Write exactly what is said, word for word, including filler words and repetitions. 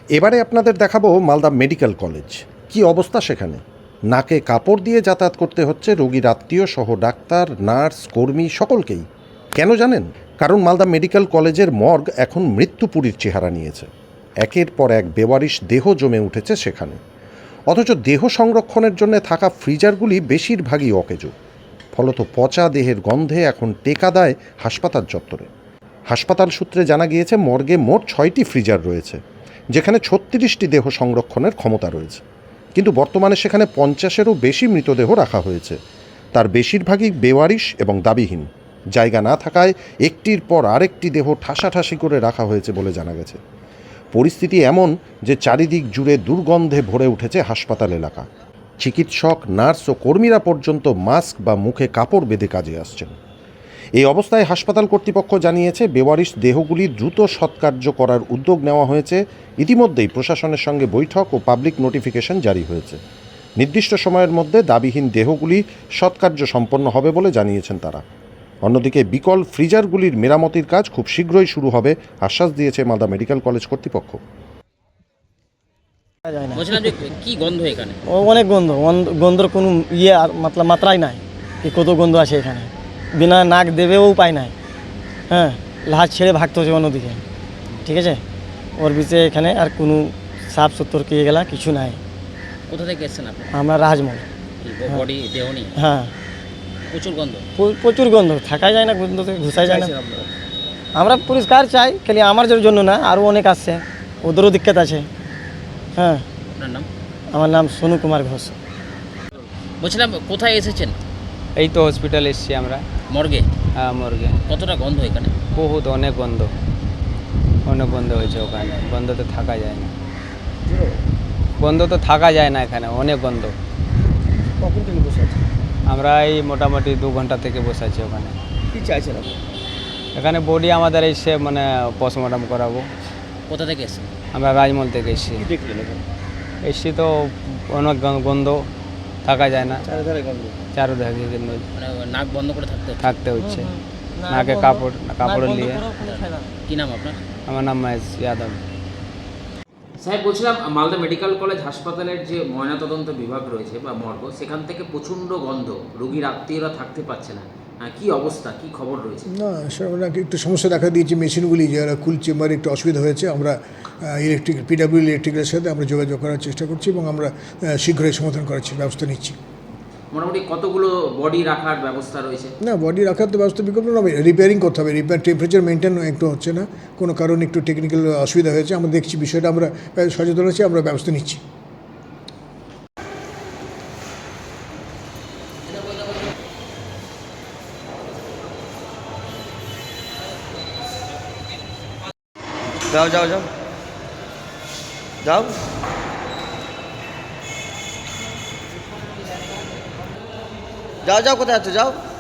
এবারে আপনাদের দেখাবো মালদা মেডিকেল কলেজ। কি অবস্থা সেখানে! নাকে কাপড় দিয়ে যাতায়াত করতে হচ্ছে রোগীর আত্মীয় সহ ডাক্তার, নার্স, কর্মী সকলকেই। কেন জানেন? কারণ মালদা মেডিকেল কলেজের মর্গ এখন মৃত্যুপুরীর চেহারা নিয়েছে। একের পর এক বেওয়ারিশ দেহ জমে উঠেছে সেখানে। অথচ দেহ সংরক্ষণের জন্য থাকা ফ্রিজারগুলি বেশিরভাগই অকেজো। ফলত পচা দেহের গন্ধে এখন টেকা দেয় হাসপাতাল চত্বরে। হাসপাতাল সূত্রে জানা গিয়েছে মর্গে মোট ছয়টি ফ্রিজার রয়েছে, যেখানে ছত্রিশটি দেহ সংরক্ষণের ক্ষমতা রয়েছে। কিন্তু বর্তমানে সেখানে পঞ্চাশেরও বেশি মৃতদেহ রাখা হয়েছে। তার বেশিরভাগই বেওয়ারিশ এবং দাবিহীন। জায়গা না থাকায় একটির পর আরেকটি দেহ ঠাসাঠাসি করে রাখা হয়েছে বলে জানা গেছে। পরিস্থিতি এমন যে চারিদিক জুড়ে দুর্গন্ধে ভরে উঠেছে হাসপাতাল এলাকা। চিকিৎসক, নার্স ও কর্মীরা পর্যন্ত মাস্ক বা মুখে কাপড় বেঁধে কাজে আসছেন। এই অবস্থায় হাসপাতাল কর্তৃপক্ষ জানিয়েছে বেওয়ারিশ দেহগুলি দ্রুত সৎকার্য করার উদ্যোগ নেওয়া হয়েছে। ইতিমধ্যেই প্রশাসনের সঙ্গে বৈঠক ও পাবলিক নোটিফিকেশন জারি হয়েছে। নির্দিষ্ট সময়ের মধ্যে দাবিহীন দেহগুলি সৎকার্য সম্পন্ন হবে বলে জানিয়েছেন তারা। অন্যদিকে বিকল ফ্রিজারগুলির মেরামতির কাজ খুব শীঘ্রই শুরু হবে আশ্বাস দিয়েছে মালদা মেডিকেল কলেজ কর্তৃপক্ষ। বলছিলাম যে কি গন্ধ এখানে? ও অনেক গন্ধ, গন্ধর কোনো ইয়ে আর মতলব মাত্রাই নাই কি কত গন্ধ আছে এখানে। বিনা নাক দেবেও উপায় নাই। হ্যাঁ, লাহাজ ছেড়ে ভাগতে হচ্ছে অন্যদিকে। ঠিক আছে, ওর ভিতরে এখানে আর কোনো সাফ সুতর কে গেলা কিছু নাই। কোথা থেকে এসেছেন আপনি? আমরা রাজমহল। বডি দেহ নেই? হ্যাঁ, প্রচুর গন্ধ। প্রচুর গন্ধ, থাকাই যায় না, গন্ধ থেকে ঘুষাই যায় না। আমরা পরিষ্কার চাই, খালি আমার জন্য না, আরও অনেক আসছে, ওদেরও দিক্কত আছে। হ্যাঁ। আপনার নাম? আমার নাম সোনু কুমার ঘোষ। বলছিলাম কোথায় এসেছেন? এই তো হসপিটাল এসেছি আমরা। মর্গে? হ্যাঁ, মর্গে। কতটা গন্ধ এখানে? বহুত, অনেক গন্ধ, অনেক গন্ধ হয়েছে ওখানে। গন্ধ তো থাকা যায় না, গন্ধ তো থাকা যায় না এখানে, অনেক গন্ধ। কখন থেকে বসে আছে? আমরা এই মোটামুটি দু ঘন্টা থেকে বসে আছি ওখানে। কী চাইছেন আপনি? এখানে বডি আমাদের এসে মানে পোস্টমর্টম করাবো। কোথা থেকে এসেছেন? আমরা রাজমহল থেকে এসেছি। দেখলেন এখানে এসছি তো অনেক গন্ধ, থাকা যায় না, চারিধারে গন্ধ, চারোদিকে গন্ধ, মানে নাক বন্ধ করে থাকতে হচ্ছে? থাকতে হচ্ছে। নাকে কাপড় কাপড় নিয়ে। কি নাম আপনার? আমার নাম মহেশ যাদব। স্যার, বলছিলাম মালদা মেডিকেল কলেজ হাসপাতালের যে ময়নাতদন্ত বিভাগ রয়েছে বা মর্গ, সেখান থেকে প্রচণ্ড গন্ধ, রোগীর আত্মীয়রা থাকতে পারছে না। হ্যাঁ, কী অবস্থা, কী খবর রয়েছে? না, ওনাকে একটু সমস্যা দেখা দিয়েছে, মেশিনগুলি যারা কুল চেম্বারে একটু অসুবিধা হয়েছে। আমরা ইলেকট্রিক পিডাব্লিউ ইলেকট্রিকের সাথে আমরা যোগাযোগ করার চেষ্টা করছি এবং আমরা শীঘ্রই সমাধান করার ব্যবস্থা নিচ্ছি। মোটামুটি কতগুলো বডি রাখার ব্যবস্থা রয়েছে? না, বডি রাখার তো ব্যবস্থা বিকল্প নয়, রিপেয়ারিং করতে হবে। রিপেয়ার টেম্পারেচার মেনটেন একটু হচ্ছে না, কোনো কারণে একটু টেকনিক্যাল অসুবিধা হয়েছে। আমরা দেখছি বিষয়টা, আমরা সচেতন আছি, আমরা ব্যবস্থা নিচ্ছি। যাও যাও যাও যাও যাও যাও কোথায় আছো? যাও।